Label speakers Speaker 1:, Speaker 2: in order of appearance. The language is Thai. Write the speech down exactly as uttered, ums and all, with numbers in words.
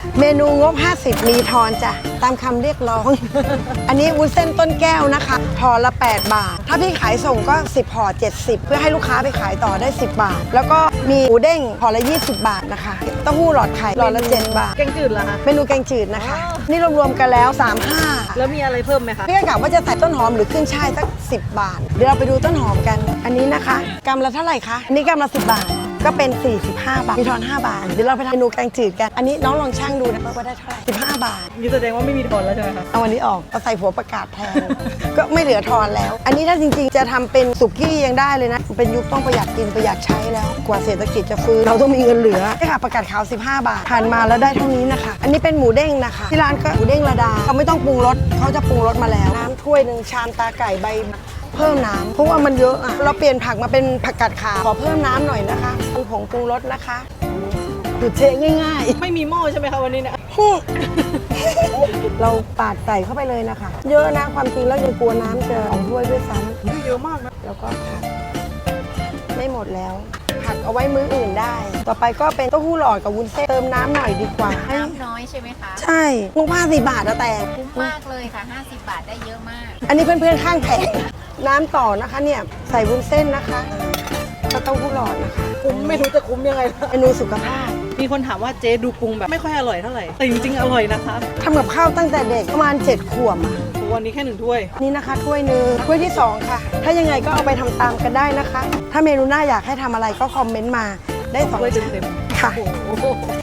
Speaker 1: เมนูงบห้าสิบมีทอนจ้ะตามคำเรียกร้อง อันนี้วุ้นเส้นต้นแก้วนะคะห่อละแปดบาทถ้าพี่ขายส่งก็สิบห่อเจ็ดสิบเพื่อให้ลูกค้าไปขายต่อได้สิบบาทแล้วก็มีหมูเด้งห่อละยี่สิบบาทนะคะเต้าหู้หลอดไข่หลอดละเจ็ดบาท
Speaker 2: แกงจืดเหรอคะ
Speaker 1: เมนูแกงจืดนะคะนี่รวมๆกันแล้วสามสิบห้า
Speaker 2: แล้วมีอะไรเพิ่มไหมคะ
Speaker 1: พี่ก็กะว่าจะใส่ต้นหอมหรือขึ้นช่ายสักสิบบาทเดี๋ยวเราไปดูต้นหอมกันอันนี้นะคะกำละเท่าไหร่คะอันนี้กำละสิบบาทก็เป็นสี่สิบห้าบาทมีทอนห้าบาทเดี๋ยวเราไปทำเมนูแกงจืดกันอันนี้น้องลองช่างดูนะว่าได้เท่าไหร่สิบห้าบาท
Speaker 2: นี่แสดงว่าไม่มีทอนแล้วใช่ไหมคะ
Speaker 1: เอาอันนี้ออกเอาใส่หัวประกาศแทน ก็ไม่เหลือทอนแล้ว อันนี้ถ้าจริงๆจะทำเป็นสุกี้ยังได้เลยนะเป็นยุคต้องประหยัดกินประหยัดใช้แล้วกว่าเศรษฐกิจจะฟื้นเราต้องมีเงินเหลือนี่ค่ะประกาศขาวสิบห้าบาทผ่านมาแล้วได้เท่านี้นะคะอันนี้เป็นหมูเด้งนะคะที่ร้านก็หมูเด้งระดาเขาไม่ต้องปรุงรสเขาจะปรุงรสมาแล้วน้ำถ้วยหนึ่งชามตาไก่ใบเพิ่มน้ำเพราะว่ามันเยอะอะเราเปลี่ยนผักมาเป็นผักกาดขาวขอเพิ่มน้ำหน่อยนะคะปรุงผงปรุงรสนะคะดูเทง่ายๆ
Speaker 2: ไม่มีหม้อใช่ไหมคะวันนี้เนี่ย
Speaker 1: เราปาดใส่เข้าไปเลยนะคะ เยอะนะความจริงแล้วยังกลัวน้ำจะของถ้วยด้วยซ้
Speaker 2: เยอะมากนะ
Speaker 1: ำแล้วก็ผัดไม่หมดแล้วผัดเอาไว้มื้ออื่นได้ ต่อไปก็เป็นเต้าหู้หลอดกับวุ้นเส้นเติมน้ำหน่อยดีกว่า
Speaker 3: น้ำน้อยใช่ไหมคะ
Speaker 1: ใช่งบห้าสิบบาทอะแต่
Speaker 3: คุ้มมากเลยค่ะ ห้าสิบบาทได้เยอะมาก
Speaker 1: อันนี้เพื่อนๆข้างแผงน้ำต่อนะคะเนี่ยใส่วุ้นเส้นนะคะแล้วเต้าหู้หลอดนะคะ
Speaker 2: คุ้มไม่รู้จะคุ้มยังไงแล้ว
Speaker 1: เมนูสุขภาพ
Speaker 2: มีคนถามว่าเจ๊ดูปรุงแบบไม่ค่อยอร่อยเท่าไหร่ แต่จริงๆอร่อยนะคะ
Speaker 1: ทำกับข้าวตั้งแต่เด็กประมาณเจ็ดขวบอะ
Speaker 2: วันนี้แค่หนึ่งถ้วย
Speaker 1: นี่นะคะถ้วยหนึ่งถ้วยที่สองค่ะ ถ้ายังไงก็เอาไปทำตามกันได้นะคะ ถ้าเมนูหน้าอยากให้ทำอะไรก็คอมเมนต์มาได้สอง
Speaker 2: ถ้วย
Speaker 1: ชั้น
Speaker 2: เต็ม
Speaker 1: ค่ะ
Speaker 2: ๆโอ้โห